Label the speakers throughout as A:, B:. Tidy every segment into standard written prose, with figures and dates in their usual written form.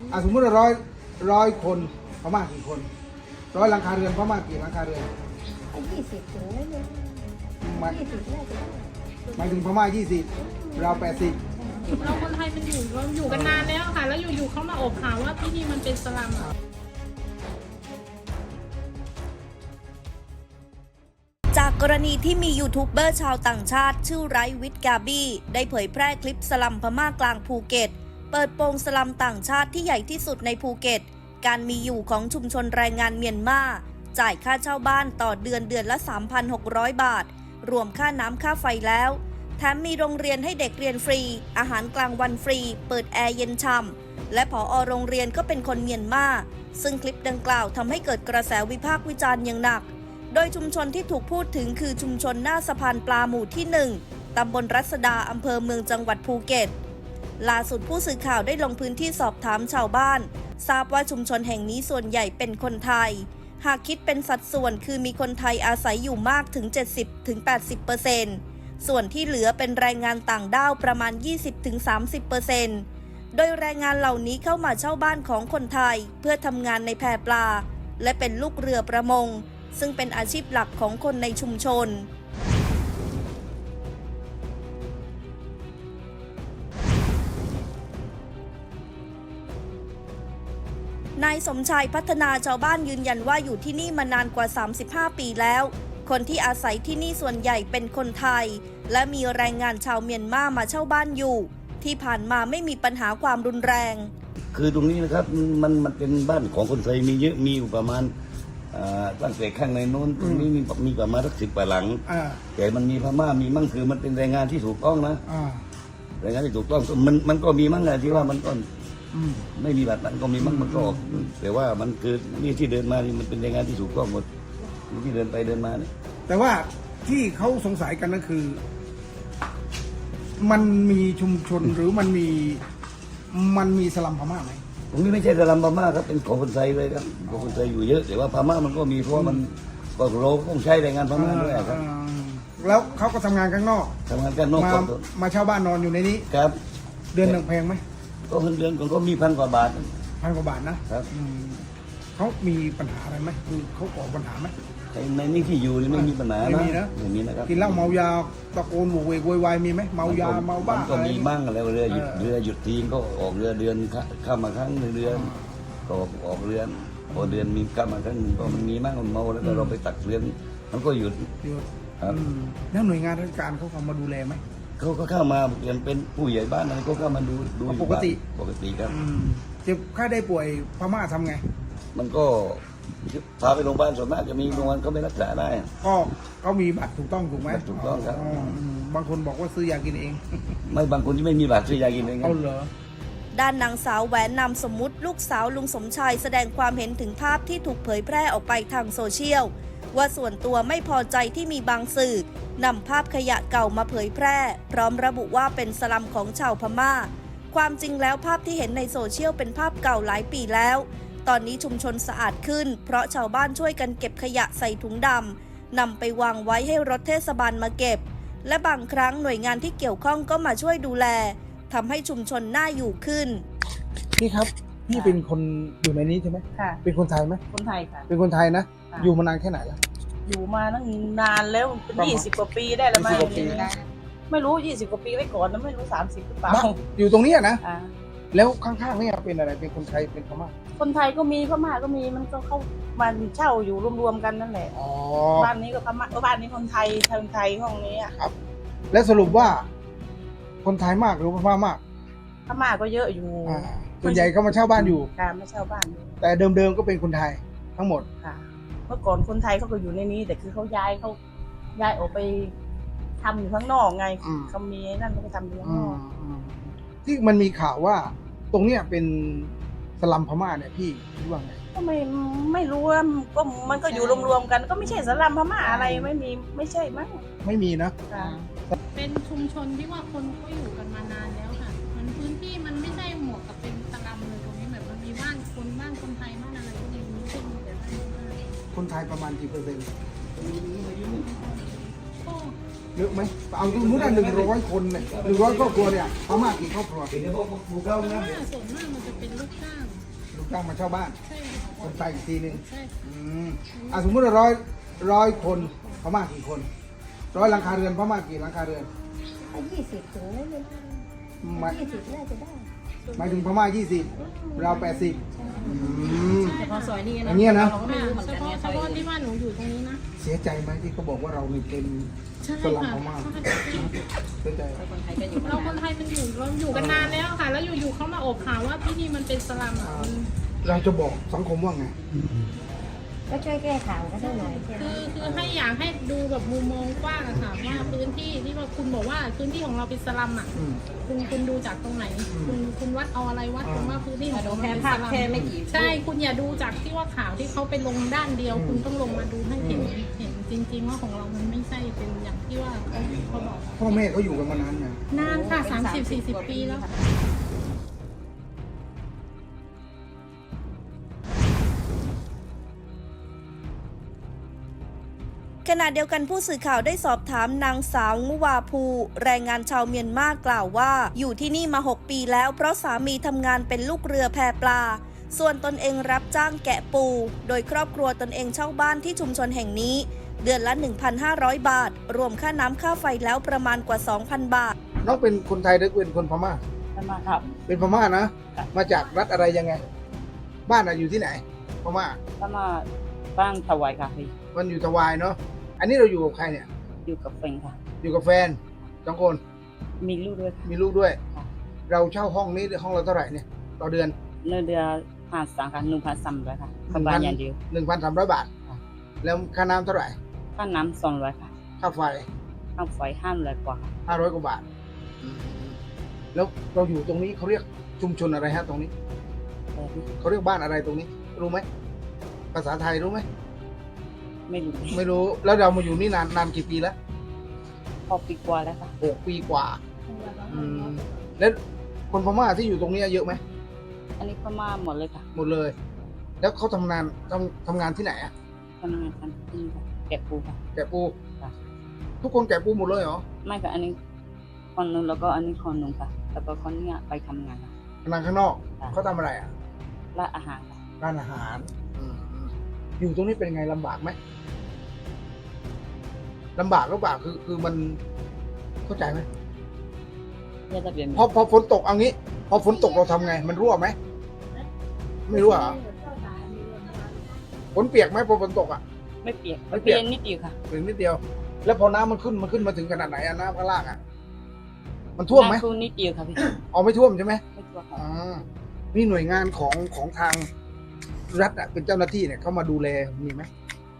A: สมมติว่าร้อยคนพม่ากี่คน100 หลังคาเรือนพม่ากี่หลังคาเรือน
B: 20 ถึงไม่เยอะ
A: หมาย
B: 20 น่าจะได้
A: หมายถึงพม่า20เรา80
C: เราคนไทยมันอยู่กันนานแล้วค่ะ แล้วอยู่ๆเขามาอบข่าวว่าที่นี่มันเป็นสลัมอะ
D: จากกรณีที่มียูทูบเบอร์ชาวต่างชาติชื่อไรวิทกาบี้ได้เผยแพร่คลิปสลัมพม่ากลางภูเก็ตเปิดโปงสลัมต่างชาติที่ใหญ่ที่สุดในภูเก็ตการมีอยู่ของชุมชนแรงงานเมียนมาจ่ายค่าเช่าบ้านต่อเดือนละ 3,600 บาทรวมค่าน้ำค่าไฟแล้วแถมมีโรงเรียนให้เด็กเรียนฟรีอาหารกลางวันฟรีเปิดแอร์เย็นช่ำและผอ.โรงเรียนก็เป็นคนเมียนมาซึ่งคลิปดังกล่าวทำให้เกิดกระแสวิพากษ์วิจารณ์อย่างหนักโดยชุมชนที่ถูกพูดถึงคือชุมชนหน้าสะพานปลาหมู่ที่ 1 ตำบลรัศดาอำเภอเมืองจังหวัดภูเก็ตล่าสุดผู้สื่อข่าวได้ลงพื้นที่สอบถามชาวบ้านทราบว่าชุมชนแห่งนี้ส่วนใหญ่เป็นคนไทยหากคิดเป็นสัดส่วนคือมีคนไทยอาศัยอยู่มากถึง 70-80%ส่วนที่เหลือเป็นแรงงานต่างด้าวประมาณ 20-30%โดยแรงงานเหล่านี้เข้ามาเช่าบ้านของคนไทยเพื่อทำงานในแพปลาและเป็นลูกเรือประมงซึ่งเป็นอาชีพหลักของคนในชุมชนนายสมชายพัฒนาชาวบ้านยืนยันว่าอยู่ที่นี่มานานกว่า35 ปีแล้วคนที่อาศัยที่นี่ส่วนใหญ่เป็นคนไทยและมีแรงงานชาวเมียนมาเช่าบ้านอยู่ที่ผ่านมาไม่มีปัญหาความรุนแรง
E: คือตรงนี้นะครับมันเป็นบ้านของคนไทยมีเยอะมีอยู่ประมาณตั้งแต่ข้างในโน้นตรงนี้มีประมาณสัก10 กว่าหลังแต่มันมีพม่ามีมั่งคือมันเป็นแรงงานที่ถูกต้องนะแรงงานที่ถูกต้องมันก็มีมั่งแหละที่ว่ามันก็ไม่มีบัตรมันก็มีมั่งมันก็ออกแต่ว่ามันคือนี่ที่เดินมานี่มันเป็นแรงงานที่ถูกต้องหมดที่เดินไปเดินมาเนี่ย
A: แต่ว่าที่เขาสงสัยกันก็คือมันมีชุมชนหรือมันมีสลัมพม่าไหม
E: ตรงนี้ไม่ใช่สลัมพม่าครับเป็นของคนไทยเลยครับของคนไทยอยู่เยอะแต่ว่าพม่ามันก็มีเพราะว่ามันก็เราต้องใช้แรงงานพม่าด้วยครับ
A: แล้วเขาก็ทำงานข้างนอกมาเช่าบ้านนอนอยู่ในนี้
E: ครับ
A: เดือนหนึ่งแพงไหม
E: ก็เดือนก็มี1,000 กว่าบาท
A: 1,000 กว่าบาทนะครับเขามีปัญหาอะไรไหมคือเขาก่อปัญหาไหม
E: ในนี่ที่อยู่นี่ไม่มีปัญหานะไม่มีนะครับ
A: กินเหล้าเมายาตะโกนโวกเวกวายมีไหมเมายาเมาบ้า
E: ก็มีบ้างแล้วเรือหยุดทีก็ออกเรือเดือนเข้ามาครั้งเดือนก็ออกเรือพอเดือนมีเข้ามาครั้งนึงก็มันมีบ้างมันเมาแล้วก็เราไปตักเรือนมันก็หยุด
A: ครับแล้วหน่วยงานราชการเขาเข้ามาดูแลไหม
E: เขาก็เข้ามาเป็นผู้ใหญ่บ้านอะไรก็เข้ามาดู
A: ปกติ
E: ครับ
A: เจ็บไข้ได้ป่วยพม่าทำไง
E: มันก็พาไปโรงพยาบาลส่วนมากจะมีโรงพยาบาลเขาไม่รักษาได้
A: ก็เขามีบัตรถูกต้องถูกไหม
E: ถูกต้องครับ
A: บางคนบอกว่าซื้อยากินเอง
E: ไม่บางคนที่ไม่มีบัตรซื้อยากินเอง
A: เอาเหรอ
D: ด้านนางสาวแหวนนามสมมุติลูกสาวลุงสมชายแสดงความเห็นถึงภาพที่ถูกเผยแพร่ออกไปทางโซเชียลว่าส่วนตัวไม่พอใจที่มีบางสื่อนำภาพขยะเก่ามาเผยแพร่พร้อมระบุว่าเป็นสลัมของชาวพม่าความจริงแล้วภาพที่เห็นในโซเชียลเป็นภาพเก่าหลายปีแล้วตอนนี้ชุมชนสะอาดขึ้นเพราะชาวบ้านช่วยกันเก็บขยะใส่ถุงดำนำไปวางไว้ให้รถเทศบาลมาเก็บและบางครั้งหน่วยงานที่เกี่ยวข้องก็มาช่วยดูแลทำให้ชุมชนน่าอยู่ขึ้น
A: พี่ครับพี่เป็นคนอยู่ในนี้ใช่ไหม
B: ค่ะ
A: เป็นคนไทยไหม
B: คนไทยค่ะ
A: เป็นคนไทยนะอยู่มานานแค่ไหนแล้ว
B: อยู่มาตั้งนานแล้วเป็น20 กว่าปีได้แล้วไหมไม่รู้20 กว่าปีไว้ก่อนนะไม่รู้30หรือเปล่า
A: อยู่ตรงนี้นะแล้วข้างๆนี่เป็นอะไรเป็นคนไทยเป็นพม่า
B: คนไทยก็มีพม่าก็มีมันก็เข้ามาเช่าอยู่รวมๆกันนั่นแหละบ้านนี้ก็พม่าบ้านนี้คนไทยห้องนี้
A: ครับและสรุปว่าคนไทยมากหรือพม่ามาก
B: พม่าก็เยอะอยู่
A: ส่วนใหญ่ก็มาเช่าบ้านอยู่
B: ค่ะมาเช่าบ้าน
A: แต่เดิมๆก็เป็นคนไทยทั้งหมด
B: ค่ะเมื่อก่อนคนไทยเขาก็อยู่ในนี้แต่คือเขาย้ายออกไปทำอยู่ข้างนอกไงเขามีนั่นเขาไปทำอยู่ข้างนอก
A: ที่มันมีข่าวว่าตรงเนี้ยเป็นสลัมพม่าเนี่ยพี่คิดว่าไง
B: ก็ไม่รู้ว่าก็มันก็อยู่รวมๆกันก็ไม่ใช่สลัมพม่าอะไรไม่ใช่มั้ง
A: ไม่มีนะ
C: เป็นชุมชนที่ว่าคนก็อยู่กันมานานแล้วค่ะมันพื้นที่มันไม่ใช่เหมาะกับเป็นสลัมเลยตรงนี้แบบมันมีบ้านคนไทยบ้านอะไรพวกนี้ขึ้นแต่
A: คนไทยประมาณกี่เปอร์เซ็นต์
C: ก็
A: เยอะไหมเอาสมมติว่า100 คนเนี่ย100 ครอบครัวเนี่ยพม่ากี่ครอบครัว
C: ส่วนมากมันจะเป็นลูกจ้าง
A: ลูกจ้างมาเช่าบ้าน
C: ใช่ค่ะ
A: คนไทยอีกทีหนึ่ง
C: ใช่
A: สมมติว่าร้อยคนพม่ากี่คน100 หลังคาเรือนพม่ากี่หลังคาเรือน
F: 20 ถึงไม่เป็น
A: หมาย
F: 20 น่าจะได้
A: หมายถึงพม่า20เรา80
B: แต่พอซอยนี้
A: อย่างเงี้ยนะ
B: เราก็ไม่รู้เหมือน
C: เฉ
B: กัน
C: พาะ
B: เนี่ย
C: เฉพาะที่บ้านหนูอยู่ตรงนี้นะ
A: เสียใจไหมที่เขาบอกว่าเรานี่เป็น
C: ใช่
A: สลัม
C: ค่ะ
A: พม่าเสียใจไหม
B: คนไทยก็อยู่
C: เราคนไทยมันเราอยู่กันนานแล้วค่ะ แล้วอยู่ๆเขามาอบข่าวว่าที่นี่มันเป็นสลัมอ่ะมัน
A: เราจะบอกสังคมว่าไง
F: ก็ช่วยแก้ข่าวกันสักหน่อย
C: คือให้อยากให้ดูแบบมุมมองกว้างอะค่ะว่าพื้นที่ที่ว่าคุณบอกว่าพื้นที่ของเราเป็นสลัมอ่ะ
A: อืม
C: คุณดูจากตรงไหน คุณวัดเอาอะไรวัดตรงว่าพื้นที่ของเรา
B: แค่
C: เป็น
B: ภา
C: ส
B: พ
C: ลัม
B: แค่ไม่กี่
C: ใช่คุณอย่าดูจากที่ว่าข่าวที่เขาไปลงด้านเดียว คุณต้องลงมาดูให้เห็นจริง ๆ ว่าของเรามันไม่ใช่เป็นอย่างที่ว่าเขาบอก
A: พ่อแม่เขาอยู่กันมานานไง
C: นานค่ะ30-40 ปีแล้ว
D: ขณะเดียวกันผู้สื่อข่าวได้สอบถามนางสาวงุวาภูแรงงานชาวเมียนมากล่าวว่าอยู่ที่นี่มา 6 ปีแล้วเพราะสามีทำงานเป็นลูกเรือแพปลา ส่วนตนเองรับจ้างแกะปู โดยครอบครัวตนเองเช่าบ้านที่ชุมชนแห่งนี้ เดือนละ 1,500 บาท รวมค่าน้ำค่าไฟแล้วประมาณกว่า 2,000 บาท
A: น้องเป็นคนไทยหรือเป็นคนพม่า
B: มาครับ
A: เป็นพม่านะ มาจากรัฐอะไรยังไง บ้านอยู่ที่ไหน พม่า
B: ก็มาบ้านถวายค่ะพี่
A: มันอยู่ทวายเนาะ อันนี้เราอยู่กับใครเนี่ย
B: อยู่กับแฟนค่ะ
A: อยู่กับแฟน2 คน
B: มีลูกด้วยค่ะ
A: มีลูกด้วย เราเช่าห้องนี้ห้องเราเท่าไหร่เนี่ย ต่อเดือน
B: เนื้อเดือน1,300ค่ะ1,300ค่ะกับบ้านอย่างเดียว
A: 1,300 บาท แล้วค่าน้ำเท่าไหร่
B: ค่าน้ำ200ค่ะ
A: ค่าไฟ
B: ค่าไฟ500กว่าค่ะ
A: 500 กว่าบาท แล้วเราอยู่ตรงนี้เขาเรียกชุมชนอะไรฮะตรงนี้ เขาเรียกบ้านอะไรตรงนี้ รู้ไหม ภาษาไทยรู้ไหม
B: ไม่รู้
A: ไม่รู้ แล้วเรามาอยู่นี่นานกี่ปีแล้ว
B: พอปีกว่าแล้วค่ะ
A: 6 ปีกว่า แล้วคนพม่าที่อยู่ตรงนี้เยอะไหม
B: อันนี้พม่าหมดเลยค่ะ
A: หมดเลย แล้วเขาทำงานที่ไหนอะ
B: ทำงานกันที่นี่ค่ะแกะปูค่ะ
A: แกะปู
B: ค่ะ
A: ทุกคนแกะปูหมดเลยเหรอ
B: ไม่ค่ะอันนี้คนนึงแล้วก็อันนี้คนนึงค่ะแล้วก็คนเนี้ยไปทำงานค่ะ
A: ทำงานข้างนอก
B: ค่ะ
A: เขาทำอะไรอะ
B: ร้านอาหารค่ะ
A: ร้านอาหาร อยู่ตรงนี้เป็นไงลำบากไหมลำบากหรือเปล่าคือมันเข้าใจไหม
B: เนี่ยจะเปลี่ยน
A: พอฝนตกเอางี้ พอฝนตกเราทำไง มันรั่วไหมไม่รั่วเหรอฝนเปียกไหมพอฝนตกอ่ะ
B: ไม่เปียก
A: ไม่
B: ไม่
A: เปี
B: เปี
A: ย
B: ย
A: ก
B: กนิดเดียวค่ะ
A: เพียงนิดเดียว แล้วพอน้ำมันขึ้นมาถึงขนาดไหนอะน้ำข้างล่างอะมันท่วมไหม
B: น้ำท่วมนิดเดียวค่ะพี่
A: อ๋อไม่ท่วมใช่ไหม
B: ไม่ท่วมค่ะ
A: อ๋อนี่หน่วยงานของทางรัฐอะเป็นเจ้าหน้าที่เนี่ยเขามาดูแลมีไหม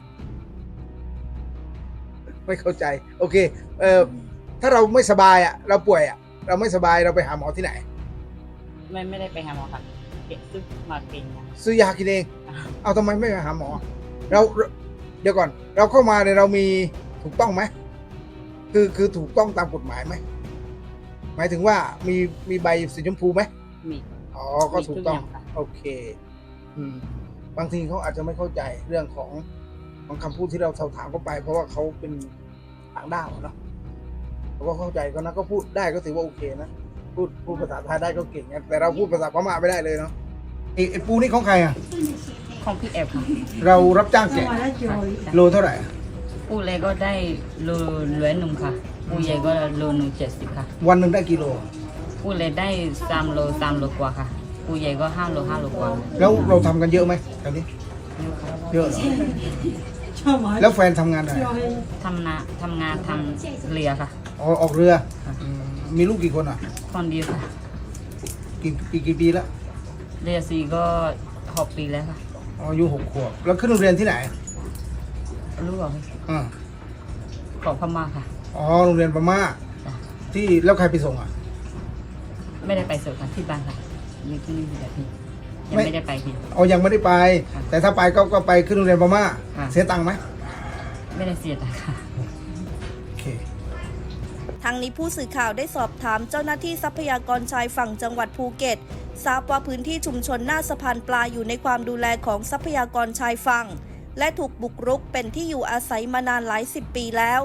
A: ไม่เข้าใจ โอเค ถ้าเราไม่สบายอะเราป่วยอะเราไม่สบายเราไปหาหมอที่ไหน
B: ไม่ได้ไปหาหมอค่ะเก็บซื้อมากินค่ะ
A: ซื้อยากินเอง เอาทำไมไม่ไปหาหมอ เราเดี๋ยวก่อน เราเข้ามาเนี่ยเรามีถูกต้องไหมคือถูกต้องตามกฎหมายไหมหมายถึงว่ามีใบสีชมพูไหม
B: มี
A: อ๋อก็ถูกต้อง
B: มีทุกอย่างค่ะ
A: โอเค บางทีเขาอาจจะไม่เข้าใจเรื่องของคำพูดที่เราถามเข้าไป เพราะว่าเขาเป็นต่างด้าวเนาะเขาก็เข้าใจก็นะก็พูดได้ก็ถือว่าโอเคนะพูดภาษาไทยได้ก็เก่งนะแต่เราพูดภาษาพม่าไม่ได้เลยเนาะไอ้ปูนี่ของใครอ่ะ
B: ของพี่แอบค่ะ
A: เรารับจ้างแกะโลเท่าไหร่อะ
B: ปูเล็กก็ได้โล100ค่ะปูใหญ่ก็โล170ค่ะ
A: วันหนึ่งได้กี่โล
B: ปูเล็กได้3 โลกว่าค่ะปูใหญ่ก็5 โลกว่า
A: แล้วเราทำกันเยอะไหมแถวนี้ เยอะเหรอแล้วแฟนทำงานอะไร
B: ทำงานทำเรือค่ะ
A: อ๋อออกเรือมีลูกกี่คนอ่ะ
B: คนเดียวค่ะ
A: กี่ปีแล้ว
B: เรือสีก็6 ปีแล้วค่ะ
A: อ๋ออายุ6 ขวบแล้วขึ้นโรงเรียนที่ไหน
B: รู้เปล่าพี่
A: อ่า
B: ของพม่าค่ะ
A: อ๋อโรงเรียนพม่า
B: จ้ะ
A: ที่แล้วใครไปส่งอ่ะ
B: ไม่ได้ไปส่งค่ะที่บ้านค่ะอยู่ที่นี่แหละพี่ยัง
A: ไม่
B: ไม่ได้ไปพี่
A: อ๋อยังไม่ได้ไป
B: ค่ะ
A: แต่ถ้าไปก็ไปขึ้นโรงเรียนพม่า
B: ค่ะ
A: เสียตังค์ไหม
B: ไม่ได้เสียตังค์ค่ะ
A: โอเค
D: ทางนี้ผู้สื่อข่าวได้สอบถามเจ้าหน้าที่ทรัพยากรชายฝั่งจังหวัดภูเก็ตทราบว่าพื้นที่ชุมชนหน้าสะพานปลาอยู่ในความดูแลของทรัพยากรชายฝั่งและถูกบุกรุกเป็นที่อยู่อาศัยมานานหลาย10 ปีแล้ว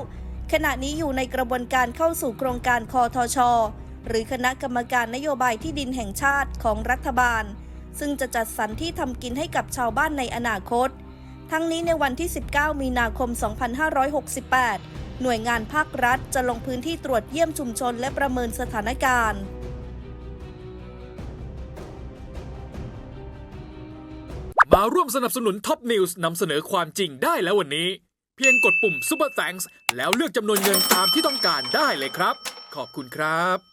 D: ขณะนี้อยู่ในกระบวนการเข้าสู่โครงการคทช.หรือคณะกรรมการนโยบายที่ดินแห่งชาติของรัฐบาลซึ่งจะจัดสรรที่ทำกินให้กับชาวบ้านในอนาคตทั้งนี้ในวันที่ 19 มีนาคม 2568 หน่วยงานภาครัฐจะลงพื้นที่ตรวจเยี่ยมชุมชนและประเมินสถานการณ์
G: มาร่วมสนับสนุนท็อปนิวส์นำเสนอความจริงได้แล้ววันนี้เพียงกดปุ่ม Super Thanks แล้วเลือกจำนวนเงินตามที่ต้องการได้เลยครับขอบคุณครับ